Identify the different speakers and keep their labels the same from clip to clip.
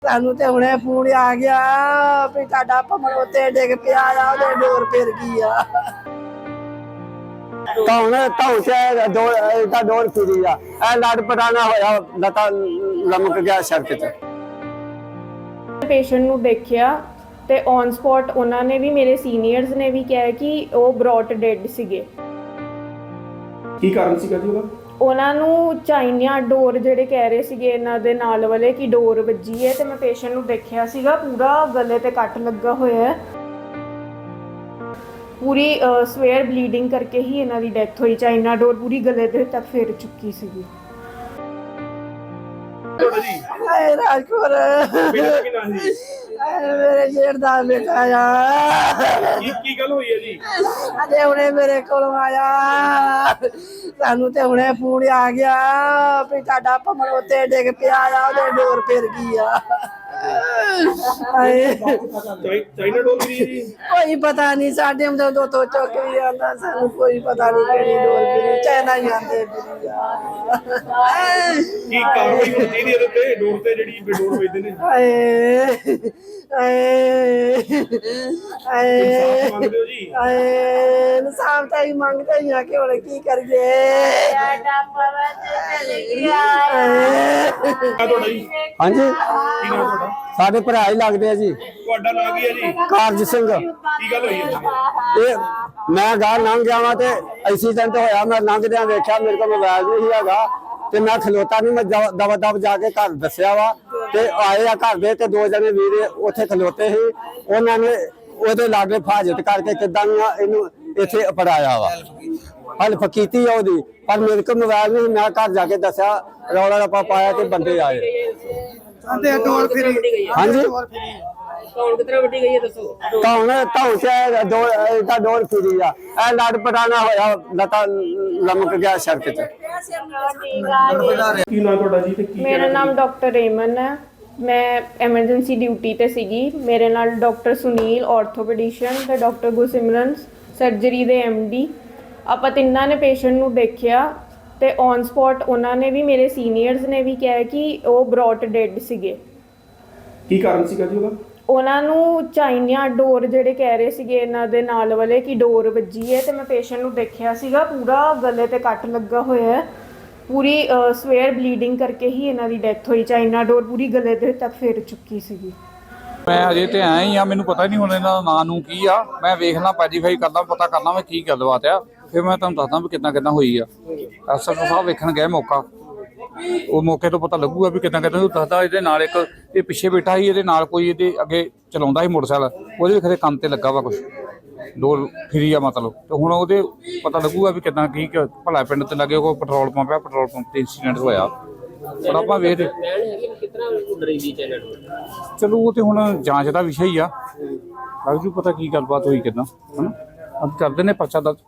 Speaker 1: ਸਾਨੂੰ ਤੇ ਹੁਣੇ ਫੋਨ ਆ ਗਿਆ ਵੀ ਤੁਹਾਡਾ ਭਮਰ ਉੱਤੇ ਡਿੱਗ ਪਿਆ ਆ, ਉਹਦੇ ਡੋਰ ਫਿਰ ਗਈ ਆ।
Speaker 2: ਤਾਂ ਡੋਰ ਫਿਰੀ ਆ, ਇਹ ਲੜ ਪਟਾਣਾ ਹੋਇਆ, ਲਤਾ ਲਮਕ ਗਿਆ ਸੜਕ ਤੇ।
Speaker 3: ਪੇਸ਼ੈਂਟ ਨੂੰ ਦੇਖਿਆ ਤੇ ਔਨ ਸਪੌਟ ਉਹਨਾਂ ਨੇ ਵੀ, ਮੇਰੇ ਸੀਨੀਅਰਸ ਨੇ ਵੀ ਕਿਹਾ ਕਿ ਉਹ ਬ੍ਰੌਟ ਡੈਡ ਸੀਗੇ।
Speaker 4: ਕੀ ਕਾਰਨ ਸੀਗਾ ਜੀ ਉਹਦਾ?
Speaker 3: ਉਹਨਾਂ ਨੂੰ ਚਾਈਨਾ ਡੋਰ ਜਿਹੜੇ ਕਹਿ ਰਹੇ ਸੀਗੇ ਇਹਨਾਂ ਦੇ ਨਾਲ ਵਾਲੇ ਕਿ ਡੋਰ ਵੱਜੀ ਹੈ, ਤੇ ਮੈਂ ਪੇਸ਼ੈਂਟ ਨੂੰ ਦੇਖਿਆ ਸੀਗਾ ਪੂਰਾ ਗਲੇ ਤੇ ਕੱਟ ਲੱਗਾ ਹੋਇਆ ਹੈ, ਪੂਰੀ ਸਵੇਅਰ ਬਲੀਡਿੰਗ ਕਰਕੇ ਹੀ ਇਹਨਾਂ ਦੀ ਡੈਥ ਹੋਈ। ਚਾਈਨਾ ਡੋਰ ਪੂਰੀ ਗਲੇ ਦੇ ਤੱਕ ਫੇਰ ਚੁੱਕੀ ਸੀਗੀ।
Speaker 1: ਹਾਏ ਰਾਜਕੌਰ, ਮੇਰੇ ਜੇਠ ਦਾ ਬੇਟਾ ਆ।
Speaker 4: ਕੀ ਗੱਲ ਹੋਈ ਹੈ ਜੀ?
Speaker 1: ਅਜੇ ਹੁਣੇ ਮੇਰੇ ਕੋਲ ਆਇਆ, ਸਾਨੂੰ ਤੇ ਹੁਣੇ ਫੋਨ ਆ ਗਿਆ ਵੀ ਤੁਹਾਡਾ ਭਮਰ ਉੱਤੇ ਡਿੱਗ ਪਿਆ ਆ, ਉਹਦੇ ਡੋਰ ਫਿਰ ਗਈ ਆ।
Speaker 4: ਚਾਈਨਾ ਡੋਰ ਵੀ ਜੀ?
Speaker 1: ਕੋਈ ਪਤਾ ਨਹੀਂ, ਸਾਡੇ ਮਦੋਂ ਦੋ ਤੋਂ ਚੁੱਕ ਵੀ ਆਉਂਦਾ, ਸਾਨੂੰ ਕੋਈ ਪਤਾ ਨਹੀਂ ਕਿਹੜੀ ਡੋਰ ਫਿਰੀ, ਚਾਈਨਾ ਹੀ ਆਂਦੇ ਫਿਰੀ ਆ।
Speaker 4: ਕੀ ਕਾਰਵਾਈ ਹੋਣੀ ਚਾਹੀਦੀ ਇਹਦੇ ਤੇ, ਡੋਰ ਤੇ ਜਿਹੜੀ ਡੋਰ ਵੇਚਦੇ ਨੇ?
Speaker 1: ਹਾਏ
Speaker 4: ਇਨਸਾਫ਼ ਮੰਗਦੇ ਹੋ ਜੀ?
Speaker 1: ਇਨਸਾਫ਼ ਤਾਂ ਹੀ ਮੰਗਦੇ ਹੀ ਆ ਕਿ ਹੁਣ ਕੀ ਕਰੀਏ।
Speaker 4: ਤੁਹਾਡਾ ਜੀ?
Speaker 2: ਹਾਂਜੀ,
Speaker 4: ਕੀ ਨਾਮ ਤੁਹਾਡਾ?
Speaker 2: ਸਾਡੇ ਭਰਾ ਹੀ ਲੱਗਦੇ ਆ ਜੀ।
Speaker 4: ਤੁਹਾਡਾ ਨਾਮ ਕੀ ਹੈ ਜੀ?
Speaker 2: ਕਾਰਜ ਸਿੰਘ।
Speaker 4: ਕੀ ਗੱਲ ਹੋਈ ਹੈ?
Speaker 2: ਇਹ ਮੈਂ ਗਾਂ ਲੰਘ ਗਿਆ ਵਾਂ ਤੇ ਐਕਸੀਡੈਂਟ ਹੋਇਆ। ਮੈਂ ਲੰਘਦਿਆਂ ਵੇਖਿਆ ਮੇਰੇ ਕੋਲ ਮੋਬਾਈਲ ਨਹੀਂ ਹੈਗਾ ਤੇ ਮੈਂ ਖਲੋਤਾ ਨਹੀਂ, ਮੈਂ ਦਵਾ ਦਵ ਜਾ ਕੇ ਘਰ ਦੱਸਿਆ ਵਾ ਤੇ ਆਏ ਆ ਘਰ ਦੇ ਤੇ ਦੋ ਜਣੇ ਵੀਰ ਉੱਥੇ ਖਲੋਤੇ ਸੀ। ਉਹਨਾਂ ਨੇ ਉਹਦੇ ਲਾਗੇ ਫਾਜਤ ਕਰਕੇ ਕਿੱਦਾਂ ਇਹਨੂੰ ਇੱਥੇ ਅਪੜਾਇਆ ਵਾ, ਹੈਲਪ ਕੀਤੀ ਆ ਉਹਦੀ, ਪਰ ਮੇਰੇ ਕੋਲ ਮੋਬਾਈਲ ਨਹੀਂ। ਮੈਂ ਘਰ ਜਾ ਕੇ ਦੱਸਿਆ, ਰੌਲਾ ਰੱਪਾ ਪਾਇਆ ਤੇ ਬੰਦੇ ਆਏ।
Speaker 1: ਸਾਡੇ ਡੋਰ ਫਿਰੀ।
Speaker 2: ਹਾਂਜੀ,
Speaker 5: ਕੌਣ ਕਿਤਨਾ ਵੱਡੀ ਗਈ ਹੈ ਦੱਸੋ?
Speaker 2: ਡੋਰ ਫਿਰੀ ਆ, ਇਹ ਲੜ ਪਟਾਣਾ ਹੋਇਆ, ਲਤਾ ਲਮਕ ਗਿਆ ਸੜਕ ਤੇ।
Speaker 4: ਕੀ ਨਾਮ ਤੁਹਾਡਾ ਜੀ ਤੇ ਕੀ?
Speaker 3: ਮੇਰਾ ਨਾਮ ਡਾਕਟਰ ਰੇਮਨ ਹੈ, ਮੈਂ ਐਮਰਜੈਂਸੀ ਡਿਊਟੀ ਤੇ ਸੀਗੀ। ਮੇਰੇ ਨਾਲ ਡਾਕਟਰ ਸੁਨੀਲ ਆਰਥੋਪੈਡਿਸ਼ਨ ਤੇ ਡਾਕਟਰ ਗੁਰਸਿਮਰਨ ਸਰਜਰੀ ਦੇ MD। ਆਪਾਂ ਤਿੰਨਾਂ ਨੇ ਪੇਸ਼ੈਂਟ ਨੂੰ ਦੇਖਿਆ ਤੇ ਔਨ ਸਪੌਟ ਉਹਨਾਂ ਨੇ ਵੀ, ਮੇਰੇ ਸੀਨੀਅਰਸ ਨੇ ਵੀ ਕਿਹਾ ਕਿ ਉਹ ਬ੍ਰੌਟ ਡੈਡ ਸੀਗੇ।
Speaker 4: ਕੀ ਕਾਰਨ ਸੀਗਾ ਜੀ ਉਹਦਾ?
Speaker 3: ਉਹਨਾਂ ਨੂੰ ਚਾਈਨਾ ਡੋਰ ਜਿਹੜੇ ਕਹਿ ਰਹੇ ਸੀਗੇ ਇਹਨਾਂ ਦੇ ਨਾਲ ਵਾਲੇ ਕਿ ਡੋਰ ਵੱਜੀ ਹੈ, ਤੇ ਮੈਂ ਪੇਸ਼ੈਂਟ ਨੂੰ ਦੇਖਿਆ ਸੀਗਾ ਪੂਰਾ ਗਲੇ ਤੇ ਕੱਟ ਲੱਗਾ ਹੋਇਆ ਹੈ, ਪੂਰੀ ਸਵੇਅਰ ਬਲੀਡਿੰਗ ਕਰਕੇ ਹੀ ਇਹਨਾਂ ਦੀ ਡੈਥ ਹੋਈ। ਚਾਈਨਾ ਡੋਰ ਪੂਰੀ ਗਲੇ ਦੇ ਤੱਕ ਫੇਰ ਚੁੱਕੀ ਸੀਗੀ।
Speaker 6: ਮੈਂ ਅਜੇ ਤੇ ਆਇਆ ਹੀ ਆ, ਮੈਨੂੰ ਪਤਾ ਨਹੀਂ ਹੁਣ ਇਹਨਾਂ ਦਾ ਨਾਂ ਨੂੰ ਕੀ ਆ। ਮੈਂ ਵੇਖਣਾ ਪੈਜੀਫਾਈ ਕਰਦਾ, ਪਤਾ ਕਰਨਾ ਮੈਂ ਕੀ ਗੱਲਬਾਤ ਆ, ਫਿਰ ਮੈਂ ਤੁਹਾਨੂੰ ਦੱਸਦਾ ਵੀ ਕਿੱਦਾਂ ਹੋਈ ਆ। ਐਸਐਚਓ ਸਾਹਿਬ ਵੇਖਣ ਗਏ ਮੌਕਾ, ਉਹ ਮੌਕੇ ਤੋਂ ਪਤਾ ਲੱਗੂਗਾ ਵੀ ਕਿੱਦਾਂ ਦੱਸਦਾ। ਇਹਦੇ ਨਾਲ ਇੱਕ ਇਹ ਪਿੱਛੇ ਬੈਠਾ ਸੀ, ਇਹਦੇ ਨਾਲ ਕੋਈ ਇਹਦੇ ਅੱਗੇ ਚਲਾਉਂਦਾ ਸੀ ਮੋਟਰਸਾਈਕਲ, ਉਹਦੇ ਵੀ ਖਰੇ ਕੰਮ ਤੇ ਲੱਗਾ ਵਾ, ਕੁਛ ਡੋਰ ਫਿਰੀ ਆ ਮਤਲਬ। ਤੇ ਹੁਣ ਉਹਦੇ ਪਤਾ ਲੱਗੂਗਾ ਵੀ ਕਿੱਦਾਂ ਕੀ ਭਲਾ ਪਿੰਡ ਤੇ ਲੱਗੇ ਕੋਈ ਪੈਟਰੋਲ ਪੰਪ ਆ, ਪੈਟਰੋਲ ਪੰਪ ਤੇ ਇੰਸੀਡੈਂਟ ਹੋਇਆ। ਪਰ ਆਪਾਂ ਵੇਖਦੇ ਚਲੋ, ਉਹ ਤੇ ਹੁਣ ਜਾਂਚ ਦਾ ਵਿਸ਼ਾ ਹੀ ਆ, ਲੱਗ ਜੂ ਪਤਾ ਕੀ ਗੱਲਬਾਤ ਹੋਈ ਕਿੱਦਾਂ, ਹਨਾ। ਅੱਜ ਕਰਦੇ ਨੇ ਪਰਚਾ ਦਰਜ,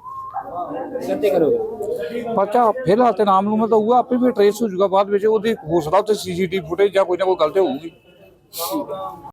Speaker 6: ਪਰਚਾ ਫਿਲਹਾਲ ਤੇ ਨਾਮ ਨੂੰ ਤਾਂ ਹੋਊਗਾ, ਆਪੇ ਵੀ ਟਰੇਸ ਹੋ ਜਾਊਗਾ ਬਾਅਦ ਵਿੱਚ। ਉਹਦੀ ਹੋ ਸਕਦਾ ਉੱਥੇ CCTV ਫੁਟੇਜ ਜਾਂ ਕੋਈ ਨਾ ਕੋਈ ਗਲਤੀ ਹੋਊਗੀ।